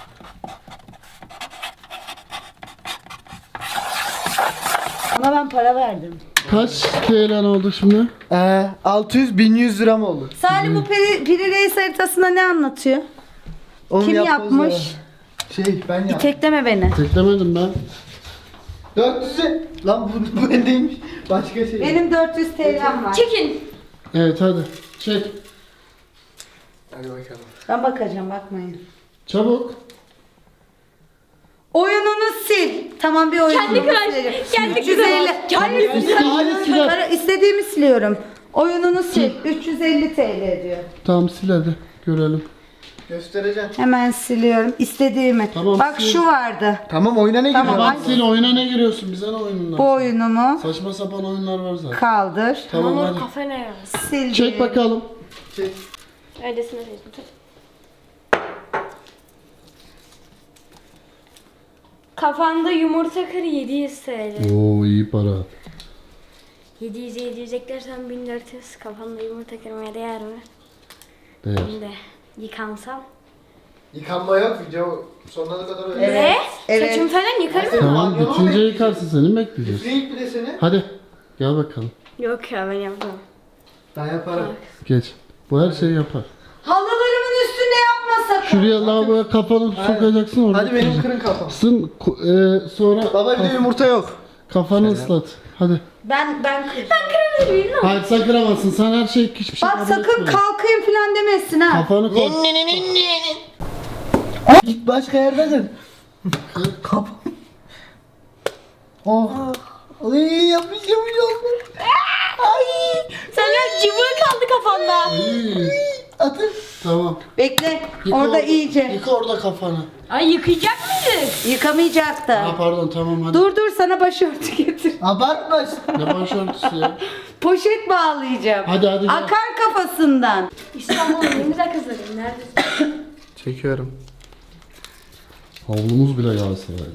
Speaker 1: Ona ben para verdim.
Speaker 3: Kaç T L'den oldu şimdi?
Speaker 2: Ee, altı yüz bin yüz lira mı oldu?
Speaker 1: Salim bu Piri, Piri Reis haritasında ne anlatıyor?
Speaker 2: Onu
Speaker 1: Kim
Speaker 2: yapmaz
Speaker 1: yapmış?
Speaker 2: ya. Şey ben yaptım.
Speaker 1: Tekleme beni.
Speaker 3: Teklemedim ben.
Speaker 2: dört yüz'e. Lan bu, bu bendeymiş. Başka şey.
Speaker 1: Benim dört yüz T L'm var.
Speaker 4: Çekin.
Speaker 3: Evet hadi. Çek.
Speaker 2: Hadi bakalım.
Speaker 1: Ben bakacağım, bakmayın.
Speaker 3: Çabuk.
Speaker 1: Oyununu sil. Tamam, bir oyununu
Speaker 4: Kendi kıraç.
Speaker 1: sileceğim.
Speaker 4: Kendi
Speaker 1: üç yüz elli.
Speaker 4: kıraç.
Speaker 1: Hayır,
Speaker 3: İstediğini siler.
Speaker 1: para- istediğimi siliyorum. Oyununu sil. üç yüz elli T L diyor.
Speaker 3: Tamam sil hadi. Görelim.
Speaker 2: Göstereceğim.
Speaker 1: Hemen siliyorum. İstediğimi.
Speaker 3: Tamam,
Speaker 1: Bak
Speaker 3: sil.
Speaker 1: şu vardı.
Speaker 2: Tamam oyuna ne
Speaker 1: Tamam,
Speaker 2: giriyor?
Speaker 3: Bak sil, oyuna ne giriyorsun? Bize ne oyunundan?
Speaker 1: Bu oyunumu
Speaker 3: Saçma sapan oyunlar var zaten.
Speaker 1: kaldır.
Speaker 3: Tamam
Speaker 4: Ama
Speaker 3: hadi.
Speaker 4: kafa ne ya?
Speaker 1: Sil.
Speaker 3: Çek bakalım.
Speaker 2: Çek.
Speaker 4: Öylesine seçtim. Kafanda yumurta kır yedi yüz T L.
Speaker 3: Oo iyi para.
Speaker 4: yedi yüz yedi yüz eklersen bin dört yüz. Kafanda yumurta kırmaya değer mi?
Speaker 3: Değer.
Speaker 4: Şimdi yıkansam.
Speaker 2: Yıkanma yok video sonuna kadar öyle.
Speaker 1: Evet.
Speaker 4: Ne?
Speaker 1: Evet.
Speaker 4: Saçım falan yıkarım mı?
Speaker 3: Tamam bitince yıkarsın, seni mi bekleyeceğiz?
Speaker 2: Üfleyip bir de seni.
Speaker 3: Hadi gel bakalım.
Speaker 4: Yok ya ben yapmam.
Speaker 2: Ben yaparım.
Speaker 3: Geç. Bu her şeyi yapar.
Speaker 1: Halılarımın üstünde yapma sakın.
Speaker 3: Şuraya lavaboya kafanı sokacaksın orada.
Speaker 2: Hadi benim
Speaker 3: kıracaksın.
Speaker 2: kırın kafam.
Speaker 3: Sın ko- e, sonra
Speaker 2: Baba bir de yumurta yok.
Speaker 3: kafanı ıslat. Hadi.
Speaker 1: Ben ben kır.
Speaker 3: Hayır sen kıramazsın. Sen her şey hiçbir şey
Speaker 1: Bak
Speaker 3: kabul
Speaker 1: sakın
Speaker 3: etme.
Speaker 1: kalkayım falan demesin ha.
Speaker 3: Kafanı koy.
Speaker 2: Git başka yerde kır. Kafam. Oh. Ay yapmış yapmış oldu. Ay.
Speaker 4: Senin cıvığı kaldı kafanda.
Speaker 3: İyi.
Speaker 2: Atın.
Speaker 3: Tamam.
Speaker 1: Bekle.
Speaker 3: Yıka
Speaker 1: Orada iyice.
Speaker 3: Yıka orada kafanı.
Speaker 4: Ay yıkayacak mıyız?
Speaker 1: Yıkamayacaktı.
Speaker 3: Ha pardon tamam hadi.
Speaker 1: Dur dur, sana başörtü getir.
Speaker 2: Abartma.
Speaker 3: Ne başörtüsü ya.
Speaker 1: Poşet bağlayacağım.
Speaker 3: Hadi hadi gel.
Speaker 1: Akar kafasından.
Speaker 4: İstanbul'un en güzel kızları. Neredesin?
Speaker 2: Çekiyorum.
Speaker 3: Havlumuz bile Galatasaraylı.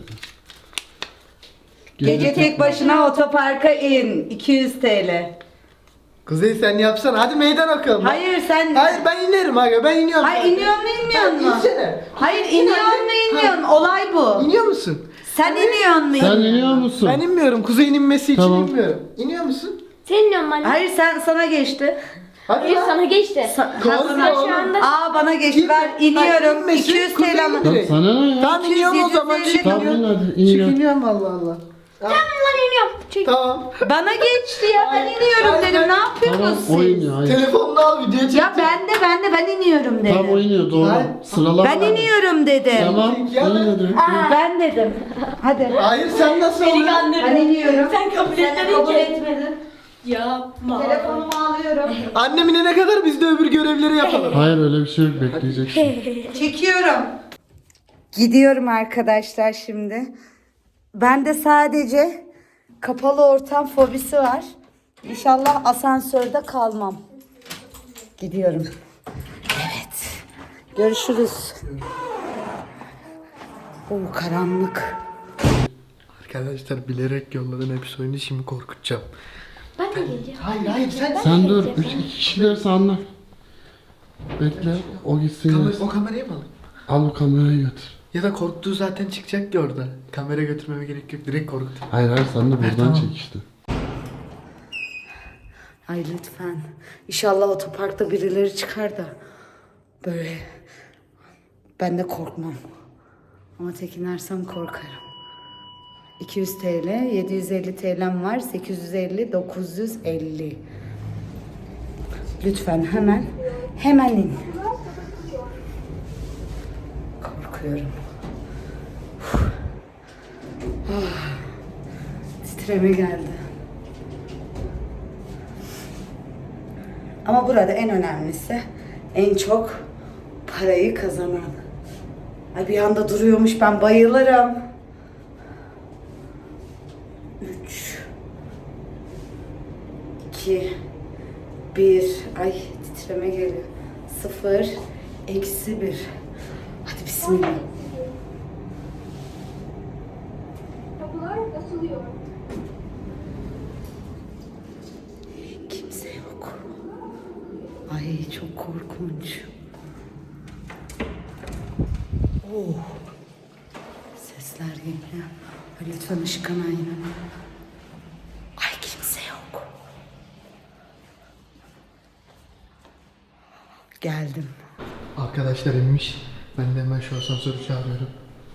Speaker 1: Gece tek başına otoparka in. iki yüz T L.
Speaker 2: Kuzey sen yapsana. Hadi meydan okuyalım.
Speaker 1: Hayır sen...
Speaker 2: Hayır ben inerim aga. Ben iniyorum.
Speaker 1: Hayır
Speaker 2: zaten.
Speaker 1: iniyor mu inmiyor
Speaker 2: Sen
Speaker 1: mu?
Speaker 2: insene.
Speaker 1: Hayır iniyor mu inmiyor mu? Olay bu.
Speaker 2: İniyor musun?
Speaker 1: Sen iniyor mu
Speaker 3: Sen
Speaker 1: inmiyor
Speaker 3: iniyor
Speaker 1: mu?
Speaker 3: musun?
Speaker 2: Ben inmiyorum. Kuzey'in inmesi için
Speaker 3: Tamam.
Speaker 2: inmiyorum. İniyor musun?
Speaker 4: Senin normal.
Speaker 1: Hayır sen sana geçti.
Speaker 2: Hadi
Speaker 4: Hayır
Speaker 2: lan.
Speaker 4: sana geçti.
Speaker 1: Sa-
Speaker 2: Korkma
Speaker 1: Ha,
Speaker 2: oğlum.
Speaker 4: Şu anda
Speaker 1: Aa bana geçti. Ben
Speaker 2: İnme.
Speaker 1: iniyorum.
Speaker 2: Hayır,
Speaker 1: iki yüz
Speaker 2: Kuzey
Speaker 1: TL.
Speaker 2: indir.
Speaker 3: Lan sana ne ya?
Speaker 2: Tamam iniyorum o zaman.
Speaker 1: yedi yüz elli
Speaker 2: Çık
Speaker 3: Tamam in
Speaker 2: iniyorum.
Speaker 3: hadi
Speaker 2: Çık
Speaker 3: in ya.
Speaker 2: iniyorum Allah Allah.
Speaker 4: Tamam lan iniyorum. Çek.
Speaker 2: Tamam.
Speaker 1: Bana geçti ya. Ben iniyorum
Speaker 2: Hayır,
Speaker 1: dedim.
Speaker 2: ben-
Speaker 1: Ne yapıyorsunuz
Speaker 3: Tamam o
Speaker 1: siz?
Speaker 3: iniyor hayır.
Speaker 2: Telefonunu al video çek.
Speaker 1: Ya ben de ben de ben iniyorum dedim.
Speaker 3: Tamam o iniyor doğru.
Speaker 2: Hayır.
Speaker 3: Sıralama.
Speaker 1: Ben iniyorum dedim.
Speaker 3: Tamam.
Speaker 2: Ya ben-
Speaker 3: in hadi.
Speaker 1: Ben dedim. Hadi.
Speaker 2: Hayır sen nasıl olur?
Speaker 1: Ben iniyorum.
Speaker 4: Sen kabul
Speaker 1: Sen de
Speaker 4: etmedin
Speaker 1: kabul
Speaker 4: ki.
Speaker 1: etmedin.
Speaker 4: Yapma.
Speaker 1: Telefonumu alıyorum.
Speaker 2: Annem inene kadar biz de öbür görevleri yapalım.
Speaker 3: Hayır öyle bir şey yok bekleyeceksin.
Speaker 1: Çekiyorum. Gidiyorum arkadaşlar şimdi. Bende sadece kapalı ortam fobisi var. İnşallah asansörde kalmam. Gidiyorum. Evet. Görüşürüz. Oo karanlık.
Speaker 2: Arkadaşlar bilerek yolladım hepsi oyunu şimdi korkutacağım.
Speaker 4: Ben de geleceğim.
Speaker 2: Hayır hayır sen
Speaker 3: Sen dur. Üç iki kişilerse anla. Bekle o gitsin
Speaker 2: Kamer-
Speaker 3: gelsin.
Speaker 2: o kamerayı mı alayım?
Speaker 3: Al bu kamerayı götür.
Speaker 2: Ya da korktuğu zaten çıkacak ya orada. Kamera götürmeme gerek yok direkt korkut.
Speaker 3: Hayır hayır sen de buradan
Speaker 2: tamam.
Speaker 3: çek işte.
Speaker 1: Ay lütfen. İnşallah otoparkta birileri çıkar da böyle ben de korkmam. Ama tekinersem korkarım. iki yüz TL, yedi yüz elli T L'm var. sekiz yüz elli, dokuz yüz elli. Lütfen hemen, hemen in. Korkuyorum. Uf. Ah, titreme geldi. Ama burada en önemlisi en çok parayı kazanan. Ay bir anda duruyormuş ben bayılırım. Üç, iki, bir. Ay titreme geliyor. Sıfır, eksi bir. Hadi bismillah.
Speaker 4: Kapılar açılıyor.
Speaker 1: Kimse yok. Ay çok korkunç. Oh. Sesler geliyor. Ay lütfen ışık kanayın. Ay kimse yok. Geldim.
Speaker 2: Arkadaşlar inmiş. Ben de hemen şu asansörü çağırıyorum.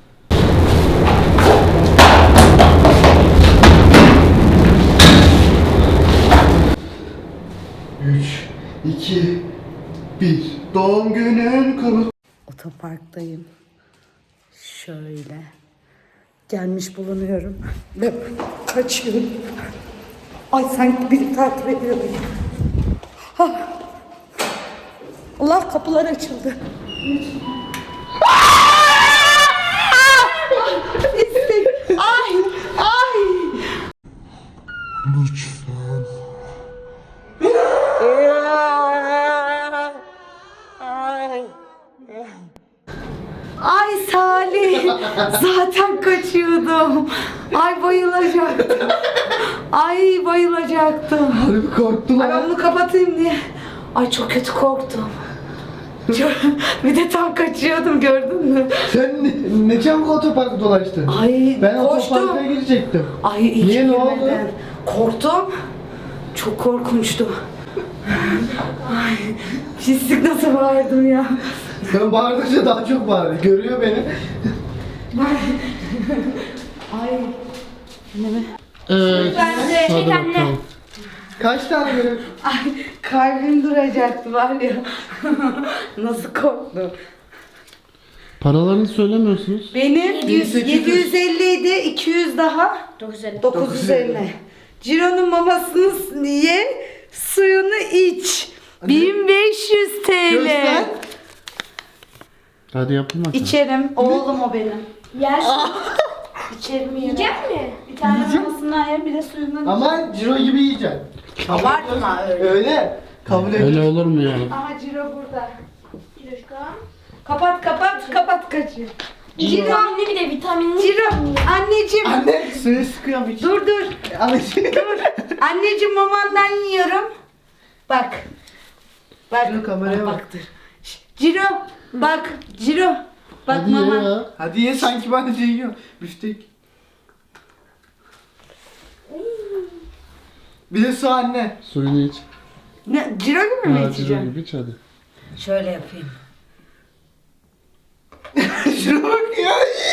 Speaker 2: Üç, iki, bir. Doğum günün kutlu.
Speaker 1: Otoparktayım. Şöyle. Gelmiş bulunuyorum. Ve kaçıyorum. Ay sanki biri takip ediyor beni. Ah. Allah kapılar açıldı. İstek. Ay. Ay. Ay Salih, zaten kaçıyordum. Ay bayılacaktım. Ay bayılacaktım.
Speaker 2: Harbi korktular.
Speaker 1: Ay ben bunu kapatayım diye. Ay çok kötü korktum. Çok- Bir de tam kaçıyordum gördün mü?
Speaker 2: Sen ne, ne çabuk otoparkı dolaştın?
Speaker 1: Ay
Speaker 2: Ben
Speaker 1: koştum.
Speaker 2: otoparka girecektim.
Speaker 1: Ay iyi
Speaker 2: Niye,
Speaker 1: ki
Speaker 2: ne oldu?
Speaker 1: girmeden. Korktum. Çok korkunçtu. Ay pislik nasıl bağırdım ya.
Speaker 2: Ben bağırdıkça daha çok bağırıyor. Görüyor beni.
Speaker 1: Ay. Ne mi?
Speaker 3: Evet.
Speaker 4: Ben de-
Speaker 3: Hadi
Speaker 4: Çek anne.
Speaker 3: bakalım.
Speaker 2: Kaç tane görev?
Speaker 1: Ay kalbim duracaktı var ya. Nasıl korktum.
Speaker 3: Paralarını söylemiyorsunuz.
Speaker 1: Benim
Speaker 2: bin sekiz yüz.
Speaker 1: yedi yüz elli idi, iki yüz daha
Speaker 4: dokuz yüz elli.
Speaker 1: dokuz yüz elli. Ciro'nun mamasını ye, suyunu iç. bin beş yüz T L.
Speaker 2: Göster.
Speaker 3: Hadi yapın bakalım.
Speaker 1: İçerim. Oğlum o benim.
Speaker 4: Yer.
Speaker 1: İçerim yerim.
Speaker 4: Yiyecek mi?
Speaker 1: Bir tane mamasından yer, bir de suyundan iç.
Speaker 2: Ama Ciro gibi yiyeceksin.
Speaker 1: Abartma öyle.
Speaker 2: Öyle. Kabul et.
Speaker 3: Öyle olur mu ya?
Speaker 1: Aha Ciro burada.
Speaker 4: Ciroşka.
Speaker 1: Kapat kapat kapat kaçıyor. Ciro.
Speaker 4: Vitaminli bir de vitaminli.
Speaker 1: Ciro. Anneciğim.
Speaker 2: Anne suyu sıkıyorum hiç.
Speaker 1: Dur dur.
Speaker 2: Anneciğim.
Speaker 1: Dur. Anneciğim mamandan yiyorum. Bak. Bak.
Speaker 2: Ciro, kameraya bak.
Speaker 1: Baktır. Şş, Ciro. Bak. Ciro. Bak
Speaker 3: Hadi
Speaker 1: mama.
Speaker 3: ye ya.
Speaker 2: Hadi ye sanki ben de yiyorum. Büftek. Bir de su anne.
Speaker 3: Suyunu iç.
Speaker 1: Ne, Ciro gibi mi
Speaker 3: Ha, ciro
Speaker 1: içeceğim?
Speaker 3: gibi iç hadi.
Speaker 1: Şöyle yapayım.
Speaker 2: Şuna bak ya.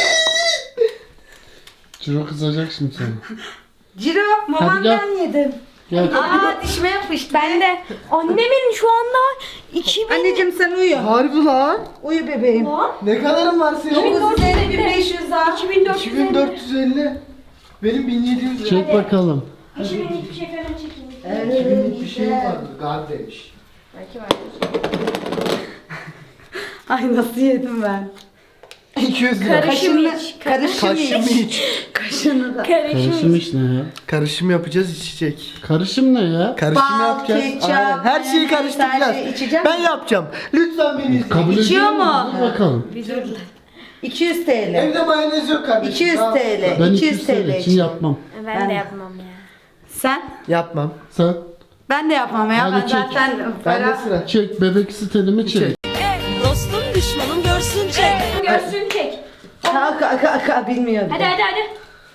Speaker 3: Ciro kızacak şimdi sana.
Speaker 1: Ciro mamandan yedim.
Speaker 3: Gel.
Speaker 1: Aa dişime yapıştı.
Speaker 4: Ben de. Annemin şu anda iki bin.
Speaker 1: Anneciğim sen uyu.
Speaker 2: Harbi lan.
Speaker 1: Uyu bebeğim.
Speaker 2: Ne kadarın var senin?
Speaker 1: dokuz yüz elli bin beş yüz daha.
Speaker 4: iki bin dört yüz
Speaker 2: iki bin dört yüz elli. Benim bin yedi yüz lira.
Speaker 3: Çek bakalım.
Speaker 4: iki bin hiçbir şey falan çekeyim.
Speaker 2: iki binlik bir şey vardı kardeş.
Speaker 4: Belki var.
Speaker 1: Ay nasıl yedim ben.
Speaker 2: iki yüz lira.
Speaker 4: Karışım
Speaker 1: Kaşını,
Speaker 4: iç.
Speaker 1: karışım
Speaker 2: Kaşım
Speaker 1: iç.
Speaker 2: iç.
Speaker 1: Kaşını da.
Speaker 4: Karışım
Speaker 3: Karışım
Speaker 4: iç.
Speaker 3: iş ne ya?
Speaker 2: Karışım yapacağız içecek.
Speaker 3: Karışım ne ya?
Speaker 2: Karışım
Speaker 1: Bal,
Speaker 2: yapacağız.
Speaker 1: ketçap,
Speaker 2: Aynen. Her şeyi
Speaker 1: mayonez,
Speaker 2: karıştıracağız.
Speaker 1: her şeyi içeceğim
Speaker 2: ben
Speaker 1: mi?
Speaker 2: yapacağım. Lütfen beni izleyin.
Speaker 3: Kabul
Speaker 1: İçiyor
Speaker 3: ediyor
Speaker 1: mu?
Speaker 3: musun? Dur bakalım.
Speaker 1: Bir dur. iki yüz T L.
Speaker 2: Evde mayonez yok kardeşim.
Speaker 1: iki yüz
Speaker 2: Tamam.
Speaker 1: T L.
Speaker 3: Ben
Speaker 1: iki
Speaker 3: iki
Speaker 1: yüz
Speaker 3: yüz
Speaker 1: T L
Speaker 3: için
Speaker 1: için.
Speaker 3: yapmam.
Speaker 4: Ben,
Speaker 1: Ben-
Speaker 4: de yapmam ya.
Speaker 1: Sen?
Speaker 2: Yapmam.
Speaker 3: Sen
Speaker 1: Ben de yapmam ya.
Speaker 3: Hadi
Speaker 1: Ben
Speaker 3: çek.
Speaker 1: zaten
Speaker 2: Ben de
Speaker 1: para...
Speaker 2: sıra.
Speaker 3: çek bebek sitelimi çek.
Speaker 2: Çek.
Speaker 6: Dostum düşmanım görsün çek.
Speaker 4: Görsün çek.
Speaker 1: Aka aka aka bilmiyorum.
Speaker 4: Hadi hadi hadi.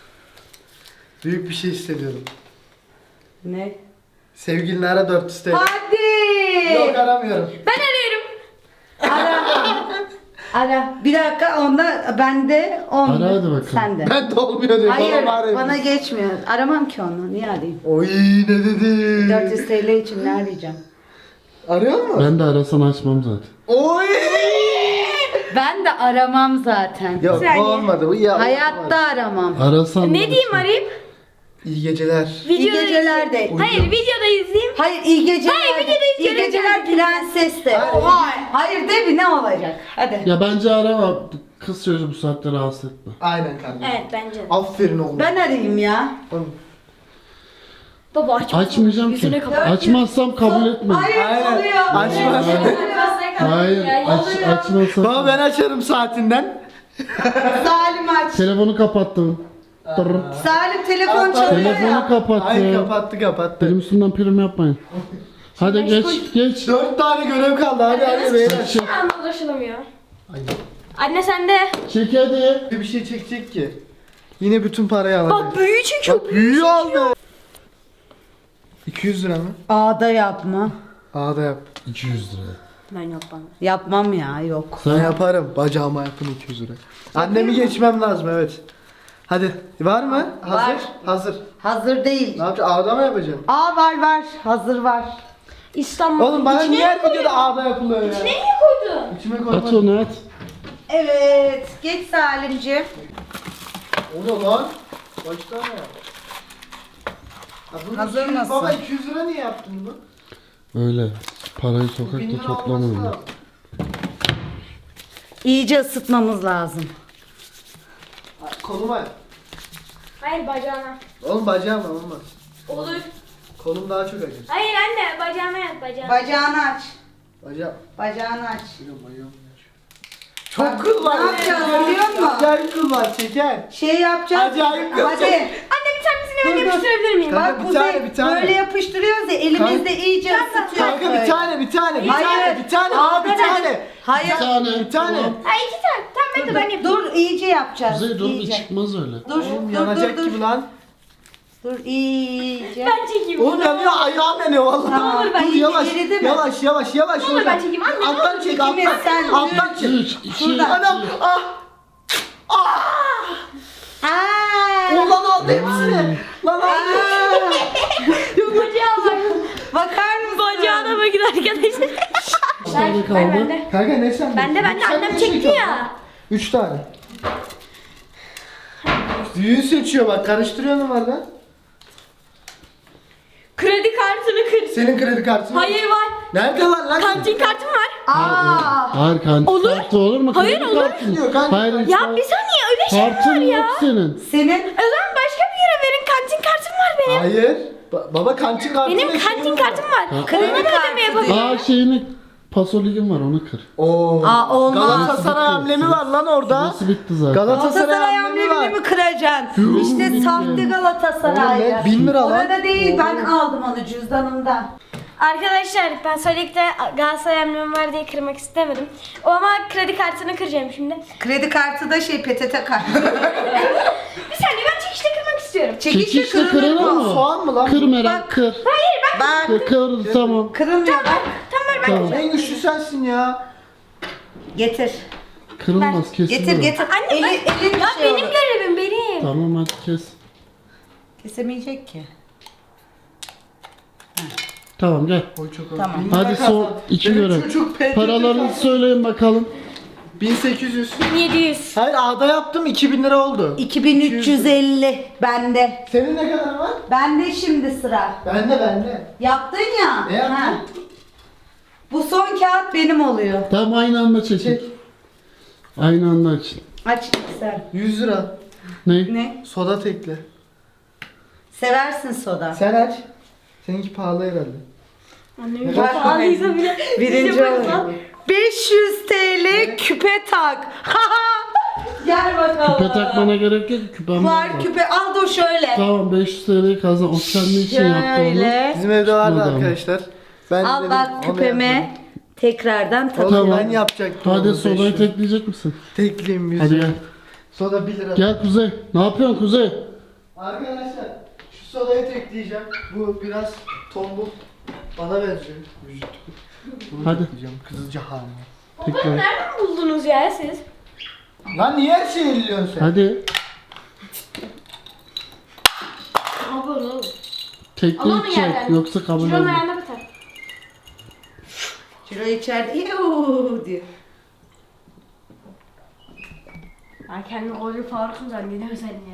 Speaker 2: Büyük bir şey hissediyorum.
Speaker 1: Ne?
Speaker 2: Sevgilini ara dört yüz T L.
Speaker 1: Hadi.
Speaker 2: Yok aramıyorum.
Speaker 4: Ben arıyorum.
Speaker 1: Ara. Ara. Bir dakika onda bende on.
Speaker 3: Ara hadi bakalım.
Speaker 1: Sende.
Speaker 2: Ben de olmuyor diyor.
Speaker 1: Hayır
Speaker 2: Bana arayayım.
Speaker 1: bana geçmiyor. Aramam ki onu. Niye arayayım?
Speaker 2: Oy ne dedi?
Speaker 1: dört yüz T L için ne arayacağım?
Speaker 2: Arıyor mu?
Speaker 3: Ben de arasan açmam zaten.
Speaker 2: Oy.
Speaker 1: Ben de aramam zaten.
Speaker 2: Yok bu
Speaker 4: saniye.
Speaker 2: olmadı. Bu ya.
Speaker 1: Hayatta aramam.
Speaker 3: Arasan
Speaker 4: Ne
Speaker 3: da
Speaker 4: diyeyim
Speaker 3: açmam.
Speaker 4: arayıp?
Speaker 2: İyi geceler.
Speaker 1: İyi
Speaker 4: Videoda
Speaker 1: geceler de.
Speaker 4: Hayır videoda izleyeyim.
Speaker 1: Hayır iyi geceler.
Speaker 4: Hayır, videoda
Speaker 1: İyi
Speaker 4: izliyorum
Speaker 1: geceler
Speaker 4: zaten.
Speaker 1: prenses de.
Speaker 2: Hayır.
Speaker 1: Hayır. Hayır de bir ne olacak? Hadi.
Speaker 3: Ya bence arama. Kız çocuğu bu saatte rahatsız etme.
Speaker 2: Aynen kardeşim.
Speaker 4: Evet bence de.
Speaker 2: Aferin oğlum.
Speaker 1: Ben arayayım ya.
Speaker 2: Oğlum.
Speaker 4: Baba aç.
Speaker 3: Açmayacağım ki.
Speaker 4: Yüzüne kapat.
Speaker 3: Açmazsam kabul etme.
Speaker 1: Hayır
Speaker 2: Aynen.
Speaker 1: oluyor.
Speaker 2: Açmaz.
Speaker 3: Hayır, aç, açmazsam.
Speaker 2: Baba ben açarım saatinden.
Speaker 1: Salim aç.
Speaker 3: Telefonu kapattım. Tırr.
Speaker 1: Salim telefon çalıyor
Speaker 3: Telefonu
Speaker 1: ya.
Speaker 3: kapattı.
Speaker 2: Ay kapattı kapattı.
Speaker 3: Benim üstümden prim yapmayın. Hadi geç, geç.
Speaker 2: Dört tane görev kaldı hadi hadi beyler.
Speaker 3: Çek,
Speaker 4: Anlaşılamıyor. Anne sende.
Speaker 3: çek hadi.
Speaker 2: Bir şey çekecek ki. Yine bütün parayı alacak.
Speaker 4: Bak büyüğü çekiyor.
Speaker 2: Bak büyüğü aldı. iki yüz lira mı?
Speaker 1: Ağda yapma.
Speaker 2: Aa da yap.
Speaker 3: iki yüz lira.
Speaker 4: Ben yapmam.
Speaker 1: Yapmam ya yok.
Speaker 2: Ben
Speaker 3: Sen
Speaker 2: yaparım. Bacağıma yapın iki yüz lira. Annemi geçmem lazım evet. Hadi. Var mı? Hazır.
Speaker 1: Var.
Speaker 2: Hazır.
Speaker 1: Hazır değil.
Speaker 2: Ne yapacaksın? Ağda mı yapacaksın?
Speaker 1: Aa var var. Hazır var.
Speaker 4: İstanbul.
Speaker 2: Oğlum bana
Speaker 4: İçine
Speaker 2: niye her
Speaker 4: mi koydun?
Speaker 2: videoda ağda yapılıyor ya?
Speaker 4: İçine niye koydun?
Speaker 2: İçime
Speaker 3: at
Speaker 2: koymadım.
Speaker 3: onu at.
Speaker 1: Evet. Geç Salimciğim.
Speaker 2: O ne lan? Kaç tane ya? Ya bunu
Speaker 1: Hazır
Speaker 2: iki yüz
Speaker 1: mısın?
Speaker 2: Baba iki yüz lira niye yaptın bunu?
Speaker 3: Öyle. Parayı
Speaker 2: Bin
Speaker 3: sokakta
Speaker 2: lira olması
Speaker 3: toplamıyorum.
Speaker 2: lazım.
Speaker 1: İyice ısıtmamız lazım.
Speaker 2: Koluma.
Speaker 4: Hayır bacağına.
Speaker 2: Oğlum bacağım var olmaz.
Speaker 4: Olur.
Speaker 2: Kolum daha çok acır.
Speaker 4: Hayır anne bacağına yat bacağına.
Speaker 1: Bacağını aç.
Speaker 2: Bacağım.
Speaker 1: Bacağını aç.
Speaker 2: Bacağım. Çok kıl var.
Speaker 1: Ne yapacağız biliyor musun?
Speaker 2: Acayip kıl var çeker.
Speaker 1: Şey yapacağız.
Speaker 2: Acayip kız.
Speaker 1: Hadi.
Speaker 4: Anne bir tanesini ben
Speaker 2: Dur, dur.
Speaker 4: yapıştırabilir miyim?
Speaker 2: Kanka,
Speaker 1: Bak
Speaker 2: bir
Speaker 1: Kuzey
Speaker 2: tane, bir tane.
Speaker 1: böyle yapıştırıyoruz ya elimizde
Speaker 2: Kanka.
Speaker 1: iyice ısıtıyoruz
Speaker 2: Kanka
Speaker 1: böyle.
Speaker 2: bir tane bir tane bir
Speaker 1: Hayır.
Speaker 2: tane bir tane
Speaker 1: Ağda
Speaker 2: bir tane.
Speaker 1: Hayır.
Speaker 3: Bir tane.
Speaker 2: Bir tane.
Speaker 4: Ha iki tane. Tamam ben de ben yapayım.
Speaker 1: Dur iyice yapacağız.
Speaker 3: Kuzey dur bir
Speaker 1: iyice.
Speaker 3: çıkmaz öyle.
Speaker 1: Dur
Speaker 2: Oğlum
Speaker 1: dur
Speaker 2: yanacak
Speaker 1: dur
Speaker 2: gibi
Speaker 1: dur.
Speaker 2: lan.
Speaker 1: Dur iyice.
Speaker 4: Ben çekeyim.
Speaker 2: Oğlum yanıyor ayağım yanıyor vallahi.
Speaker 1: Tamam, olur, ben
Speaker 2: Dur
Speaker 1: iyice
Speaker 2: yavaş
Speaker 1: eridi mi?
Speaker 2: yavaş yavaş yavaş.
Speaker 4: olur, ben çekeyim. Anne, ne
Speaker 2: Alttan
Speaker 4: olur,
Speaker 2: çek
Speaker 1: çekeyim.
Speaker 2: alttan.
Speaker 1: Sen
Speaker 2: Alttan çek.
Speaker 3: üç, iki,
Speaker 1: Şuradan.
Speaker 2: Anam ah.
Speaker 1: Aa!
Speaker 2: Ulan aldı hepsini. Lan aldı.
Speaker 4: Bacağı var.
Speaker 1: Bakar mısın?
Speaker 4: Bacağına bakın arkadaşlar.
Speaker 3: Bir tane
Speaker 4: Ver
Speaker 3: kaldı.
Speaker 4: bende.
Speaker 2: Kanka ne sen?
Speaker 4: Ben de ben de
Speaker 2: Sen
Speaker 4: annem
Speaker 2: ne
Speaker 4: çekti
Speaker 2: çekiyorsun?
Speaker 4: ya.
Speaker 2: Üç tane. Büyüğü seçiyor bak karıştırıyor numarada.
Speaker 4: Kredi kartını kır.
Speaker 2: Senin kredi kartın var.
Speaker 4: Hayır var.
Speaker 2: Nerede lan lan?
Speaker 4: Kantin kartım var.
Speaker 1: Aa!
Speaker 3: Hayır kantin
Speaker 4: Olur.
Speaker 3: kartı olur mu?
Speaker 4: Hayır,
Speaker 3: Kredi
Speaker 4: olur.
Speaker 3: kartın.
Speaker 2: Diyor kanka.
Speaker 3: Hayır.
Speaker 4: Ya bir saniye öyle şey mi
Speaker 3: Kartın
Speaker 4: var ya?
Speaker 3: yok senin.
Speaker 1: Senin
Speaker 4: O zaman başka bir yere verin. Kantin kartım var benim.
Speaker 2: Hayır. Ba- baba kantin kartı.
Speaker 4: Benim kantin kartım var.
Speaker 1: kredi
Speaker 4: Onunla da ödeme
Speaker 1: kartı
Speaker 4: yapabilirim.
Speaker 3: Aa şeyini paso ligin var onu kır.
Speaker 2: Oo.
Speaker 1: Aa, olmaz.
Speaker 2: Galatasaray amblemi var lan orada.
Speaker 3: Nasıl bitti zaten?
Speaker 2: Galatasaray
Speaker 1: Galatasaray
Speaker 2: amblemi
Speaker 1: amblemini
Speaker 2: var.
Speaker 1: mi kıracaksın? İşte sahte
Speaker 2: Oğlum
Speaker 1: Galatasaray.
Speaker 2: ne? Bin lira lan.
Speaker 1: Orada değil ben aldım onu cüzdanımda.
Speaker 4: Arkadaşlar ben Sonic'te Galatasaray emblemi var diye kırmak istemedim. O ama kredi kartını kıracağım şimdi.
Speaker 1: Kredi kartı da şey P T T kartı.
Speaker 4: Bir saniye ben çekişte kırmak istiyorum.
Speaker 1: Çekişle
Speaker 3: Çekişle
Speaker 1: kırılır
Speaker 3: kırılır
Speaker 1: mı?
Speaker 3: mı?
Speaker 2: Soğan mı lan?
Speaker 3: Kır Meral
Speaker 1: Bak.
Speaker 3: kır.
Speaker 4: Hayır ben.
Speaker 1: Bak
Speaker 3: Kır, kır tamam.
Speaker 1: kırılmıyor bak.
Speaker 4: Tamam ver ben.
Speaker 3: Tamam.
Speaker 2: En güçlü sensin ya.
Speaker 1: Getir.
Speaker 3: Kırılmaz kesin.
Speaker 1: Getir
Speaker 3: olur.
Speaker 1: getir.
Speaker 4: Anne
Speaker 1: Eli,
Speaker 4: ben,
Speaker 1: elin
Speaker 4: ya
Speaker 1: şey
Speaker 4: benim
Speaker 1: olur.
Speaker 4: görevim benim.
Speaker 3: Tamam hadi kes.
Speaker 1: Kesemeyecek ki.
Speaker 3: Tamam gel.
Speaker 2: Oy çok
Speaker 1: Tamam.
Speaker 2: Bin
Speaker 3: Hadi
Speaker 2: lira
Speaker 3: son
Speaker 2: kazan.
Speaker 3: iki
Speaker 2: Benim
Speaker 3: görev.
Speaker 2: çocuk P T T
Speaker 3: Paralarını
Speaker 2: kazan.
Speaker 3: söyleyin bakalım.
Speaker 2: bin sekiz yüz.
Speaker 4: yedi yüz.
Speaker 2: Hayır A'da yaptım iki bin lira oldu.
Speaker 1: iki bin üç yüz elli bende.
Speaker 2: Senin ne kadar var?
Speaker 1: Bende şimdi sıra.
Speaker 2: Bende bende.
Speaker 1: Yaptın ya.
Speaker 2: Ne yaptın?
Speaker 1: Ha. Bu son kağıt benim oluyor.
Speaker 3: Tamam aynı anda çekin.
Speaker 2: Çek.
Speaker 3: Aynı anda açın.
Speaker 1: Aç sen.
Speaker 2: yüz lira.
Speaker 3: Ne?
Speaker 1: Ne?
Speaker 2: Soda tekle.
Speaker 1: Seversin soda.
Speaker 2: Sen aç. Seninki pahalı herhalde.
Speaker 4: Annem
Speaker 2: Bak
Speaker 4: pahalıysa bile.
Speaker 1: Birinci
Speaker 4: bize
Speaker 1: olur.
Speaker 4: bakma.
Speaker 1: beş yüz TL küpe tak. Gel bakalım.
Speaker 3: Küpe takmana gerek yok. Küpem
Speaker 1: Var
Speaker 3: var.
Speaker 1: küpe al da şöyle.
Speaker 3: Tamam beş yüz T L'yi kazan. O senin için yaptı onu.
Speaker 1: Şöyle.
Speaker 2: Bizim evde vardı
Speaker 3: Çıkmadı ama.
Speaker 2: arkadaşlar. Ben
Speaker 1: Al
Speaker 2: dedim,
Speaker 1: bak
Speaker 2: onu
Speaker 1: küpeme
Speaker 2: yapmadım.
Speaker 1: tekrardan
Speaker 2: Oğlum
Speaker 1: tadı.
Speaker 2: ben yapacaktım.
Speaker 3: Hadi
Speaker 2: onu,
Speaker 3: sodayı
Speaker 2: beş yüz.
Speaker 3: tekleyecek misin?
Speaker 2: Tekleyeyim yüz
Speaker 3: Hadi
Speaker 2: lira.
Speaker 3: gel.
Speaker 2: Soda bir lira.
Speaker 3: Gel Kuzey. Ne yapıyorsun Kuzey?
Speaker 2: Arkadaşlar şu sodayı tekleyeceğim. Bu biraz tombul. Bana benziyor. Vücut. Bunu
Speaker 3: Hadi.
Speaker 2: tekleyeceğim. Kızılca halini.
Speaker 4: Bunu
Speaker 3: Tekrar.
Speaker 4: nereden buldunuz ya siz?
Speaker 2: Lan niye her şeyi elliyorsun sen?
Speaker 3: Hadi.
Speaker 4: Ama böyle olur.
Speaker 3: Tekleyip
Speaker 4: Alalım
Speaker 3: çek.
Speaker 4: yerden.
Speaker 3: Yoksa kabul
Speaker 4: Ciro'nun
Speaker 3: olmaz.
Speaker 4: ayağına batar.
Speaker 1: Ciro içeride yuuu diyor.
Speaker 4: Ay kendini koca Faruk'un zannediyor sen ya.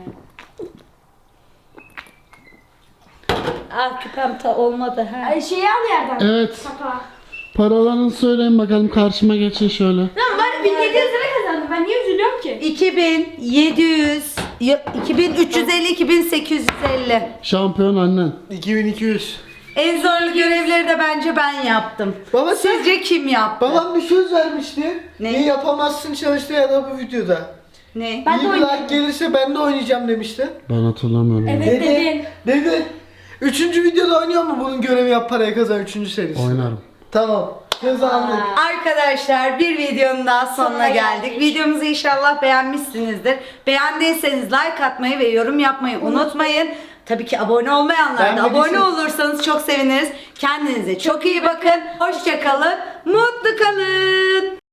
Speaker 1: Ah küpem ta olmadı ha.
Speaker 4: Ay şeyi al yerden.
Speaker 3: Evet.
Speaker 4: Kapağı.
Speaker 3: Paralarını söyleyin bakalım. Karşıma geçin şöyle.
Speaker 4: Lan ben bin yedi yüz lira kazandım. Ben niye üzülüyorum ki?
Speaker 1: iki bin yedi yüz, ya- iki bin üç yüz elli, iki bin sekiz yüz elli.
Speaker 3: Şampiyon annen.
Speaker 2: iki bin iki yüz.
Speaker 1: En zorlu görevleri de bence ben yaptım.
Speaker 2: Baba sen...
Speaker 1: Sizce kim yaptı?
Speaker 2: Babam bir söz vermişti.
Speaker 1: Ne?
Speaker 2: İyi yapamazsın çalıştığı ya da bu videoda.
Speaker 1: Ne?
Speaker 4: Ben
Speaker 2: İyi
Speaker 4: de
Speaker 2: bir
Speaker 4: oynayacağım.
Speaker 2: like gelirse ben de oynayacağım demişti.
Speaker 3: Ben hatırlamıyorum.
Speaker 4: Evet
Speaker 2: Dedi.
Speaker 4: dedin.
Speaker 2: Dedi. Üçüncü videoda oynuyor mu bunun görevi yap parayı kazan üçüncü serisi?
Speaker 3: Oynarım.
Speaker 2: Tamam. Söz aldık.
Speaker 1: Arkadaşlar bir videonun daha sonuna
Speaker 4: Sonuna
Speaker 1: geldik.
Speaker 4: geldik.
Speaker 1: Videomuzu inşallah beğenmişsinizdir. Beğendiyseniz like atmayı ve yorum yapmayı unutmayın. Tabii ki abone olmayanlar da abone
Speaker 2: Beğenmediyseniz-
Speaker 1: olursanız çok seviniriz. Kendinize çok iyi bakın. Hoşça kalın. Mutlu kalın.